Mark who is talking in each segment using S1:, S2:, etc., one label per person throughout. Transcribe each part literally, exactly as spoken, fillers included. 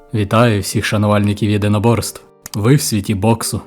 S1: Вітаю всіх шанувальників єдиноборств. Ви в світі боксу.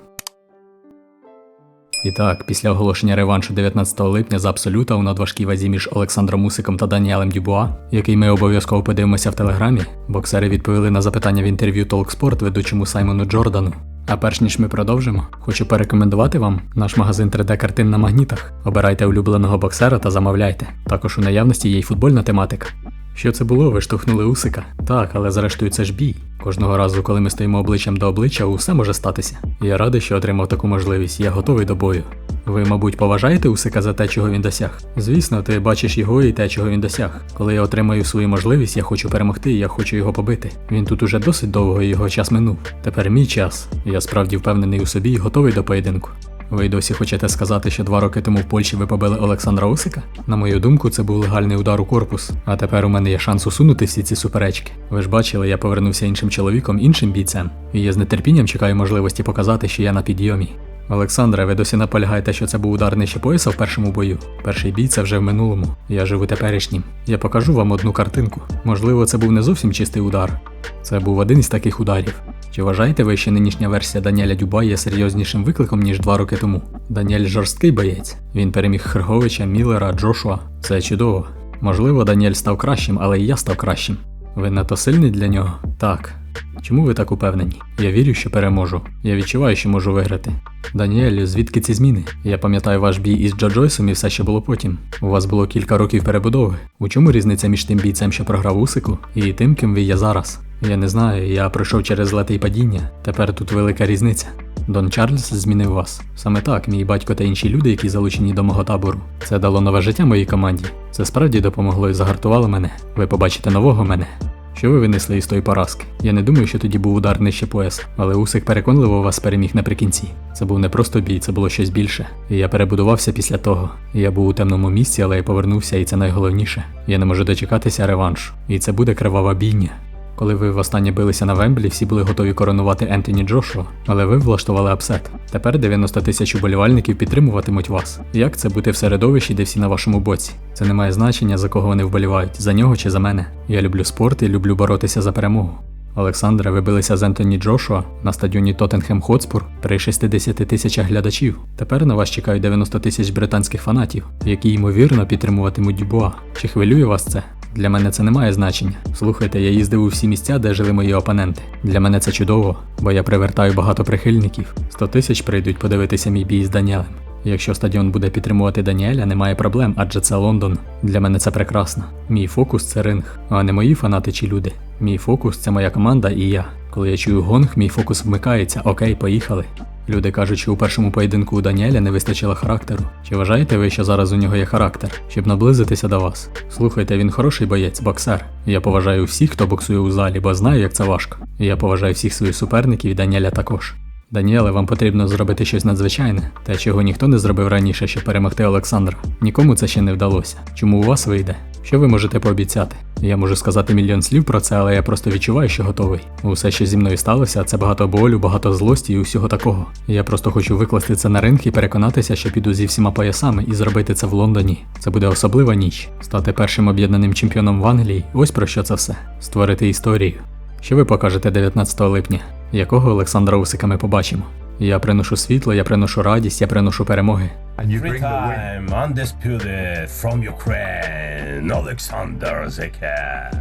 S1: І так, після оголошення реваншу дев'ятнадцятого липня за абсолюта у надважкій вазі між Олександром Усиком та Даніелем Дюбуа, який ми обов'язково подивимося в телеграмі, боксери відповіли на запитання в інтерв'ю Talksport ведучому Саймону Джордану. А перш ніж ми продовжимо, хочу порекомендувати вам наш магазин три де картин на магнітах. Обирайте улюбленого боксера та замовляйте. Також у наявності є й футбольна тематика. Що це було? Ви штовхнули Усика? Так, але зрештою це ж бій. Кожного разу, коли ми стоїмо обличчям до обличчя, усе може статися. Я радий, що отримав таку можливість, я готовий до бою. Ви, мабуть, поважаєте Усика за те, чого він досяг? Звісно, ти бачиш його і те, чого він досяг. Коли я отримаю свою можливість, я хочу перемогти і я хочу його побити. Він тут уже досить довго і його час минув. Тепер мій час. Я справді впевнений у собі і готовий до поєдинку. Ви й досі хочете сказати, що два роки тому в Польщі ви побили Олександра Усика? На мою думку, це був легальний удар у корпус. А тепер у мене є шанс усунути всі ці суперечки. Ви ж бачили, я повернувся іншим чоловіком, іншим бійцем. І я з нетерпінням чекаю можливості показати, що я на підйомі. Олександре, ви досі наполягаєте, що це був удар нижче пояса в першому бою? Перший бій – це вже в минулому. Я живу теперішнім. Я покажу вам одну картинку. Можливо, це був не зовсім чистий удар. Це був один із таких ударів. Чи вважаєте ви, що нинішня версія Даніеля Дюбуа є серйознішим викликом, ніж два роки тому? Даніель жорсткий боєць. Він переміг Хрговича, Міллера, Джошуа. Це чудово. Можливо, Даніель став кращим, але і я став кращим. Ви надто сильний для нього? Так. Чому ви так упевнені? Я вірю, що переможу. Я відчуваю, що можу виграти. Даніелю, звідки ці зміни? Я пам'ятаю ваш бій із Джо Джойсом і все, що було потім. У вас було кілька років перебудови. У чому різниця між тим бійцем, що програв Усику, і тим, ким ви є зараз? Я не знаю, я пройшов через злети й падіння. Тепер тут велика різниця. Дон Чарльз змінив вас. Саме так, мій батько та інші люди, які залучені до мого табору. Це дало нове життя моїй команді. Це справді допомогло і загартувало мене. Ви побачите нового мене. Що ви винесли із тої поразки? Я не думаю, що тоді був удар нижче пояса, але Усик переконливо вас переміг наприкінці. Це був не просто бій, це було щось більше. І я перебудувався після того. Я був у темному місці, але я повернувся, і це найголовніше. Я не можу дочекатися реваншу. І це буде кривава бійня. Коли ви востаннє билися на Вемблі, всі були готові коронувати Ентоні Джошуа, але ви влаштували апсет. Тепер дев'яносто тисяч уболівальників підтримуватимуть вас. Як це бути в середовищі, де всі на вашому боці? Це не має значення, за кого вони вболівають, за нього чи за мене. Я люблю спорт і люблю боротися за перемогу. Олександре, ви билися з Ентоні Джошуа на стадіоні Тоттенхем Хотспур при шістдесяти тисячах глядачів. Тепер на вас чекають дев'яносто тисяч британських фанатів, які ймовірно підтримуватимуть Дюбуа. Чи хвилює вас це? Для мене це не має значення. Слухайте, я їздив у всі місця, де жили мої опоненти. Для мене це чудово, бо я привертаю багато прихильників. сто тисяч прийдуть подивитися мій бій з Даніелем. Якщо стадіон буде підтримувати Даніеля, немає проблем, адже це Лондон. Для мене це прекрасно. Мій фокус – це ринг, а не мої фанати чи люди. Мій фокус – це моя команда і я. Коли я чую гонг, мій фокус вмикається. Окей, поїхали. Люди кажуть, що у першому поєдинку у Даніеля не вистачило характеру. Чи вважаєте ви, що зараз у нього є характер, щоб наблизитися до вас? Слухайте, він хороший боєць, боксер. Я поважаю всіх, хто боксує у залі, бо знаю, як це важко. І я поважаю всіх своїх суперників і Даніеля також. Даніеле, вам потрібно зробити щось надзвичайне, те, чого ніхто не зробив раніше, щоб перемогти Олександра. Нікому це ще не вдалося. Чому у вас вийде? Що ви можете пообіцяти? Я можу сказати мільйон слів про це, але я просто відчуваю, що готовий. Усе, що зі мною сталося, це багато болю, багато злості і усього такого. Я просто хочу викласти це на ринг і переконатися, що піду зі всіма поясами і зробити це в Лондоні. Це буде особлива ніч. Стати першим об'єднаним чемпіоном в Англії – ось про що це все. Створити історію. Що ви покажете дев'ятнадцятого липня? Якого Олександра Усика ми побачимо? Я приношу світло, я приношу радість, я приношу перемоги.
S2: Every time undisputed from Ukraine, Alexander Zeka.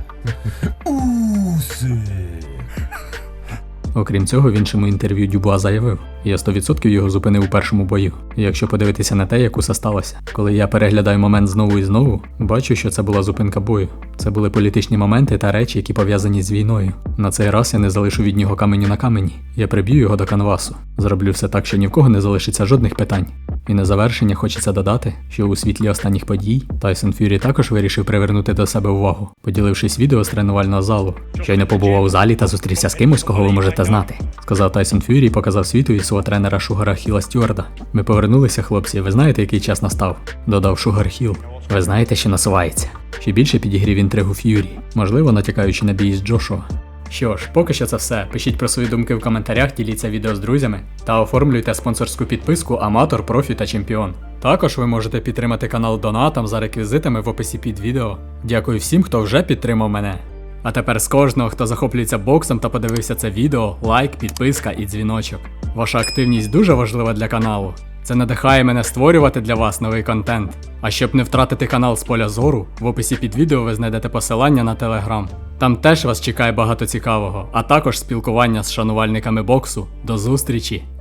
S2: Усик.
S1: Окрім цього, в іншому інтерв'ю Дюбуа заявив: я сто відсотків його зупинив у першому бою. І якщо подивитися на те, як усе сталося. Коли я переглядаю момент знову і знову, бачу, що це була зупинка бою. Це були політичні моменти та речі, які пов'язані з війною. На цей раз я не залишу від нього каменю на камені. Я приб'ю його до канвасу. Зроблю все так, що ні в кого не залишиться жодних питань. І на завершення хочеться додати, що у світлі останніх подій Тайсон Ф'юрі також вирішив привернути до себе увагу, поділившись відео з тренувального залу. Щойно побував у залі та зустрівся з кимось, кого ви можете знати, сказав Тайсон Ф'юрі і показав світові свого тренера Шугара Хіла Стюарда. Ми повернулися, хлопці, ви знаєте, який час настав? Додав Шугар Хіл. Ви знаєте, що насувається. Ще більше підігрів інтригу Ф'юрі, можливо, натякаючи на бій з Джошуа. Що ж, поки що це все. Пишіть про свої думки в коментарях, діліться відео з друзями та оформлюйте спонсорську підписку Аматор, Профі та Чемпіон. Також ви можете підтримати канал донатом за реквізитами в описі під відео. Дякую всім, хто вже підтримав мене. А тепер з кожного, хто захоплюється боксом та подивився це відео, лайк, підписка і дзвіночок. Ваша активність дуже важлива для каналу. Це надихає мене створювати для вас новий контент. А щоб не втратити канал з поля зору, в описі під відео ви знайдете посилання на Телеграм. Там теж вас чекає багато цікавого, а також спілкування з шанувальниками боксу. До зустрічі!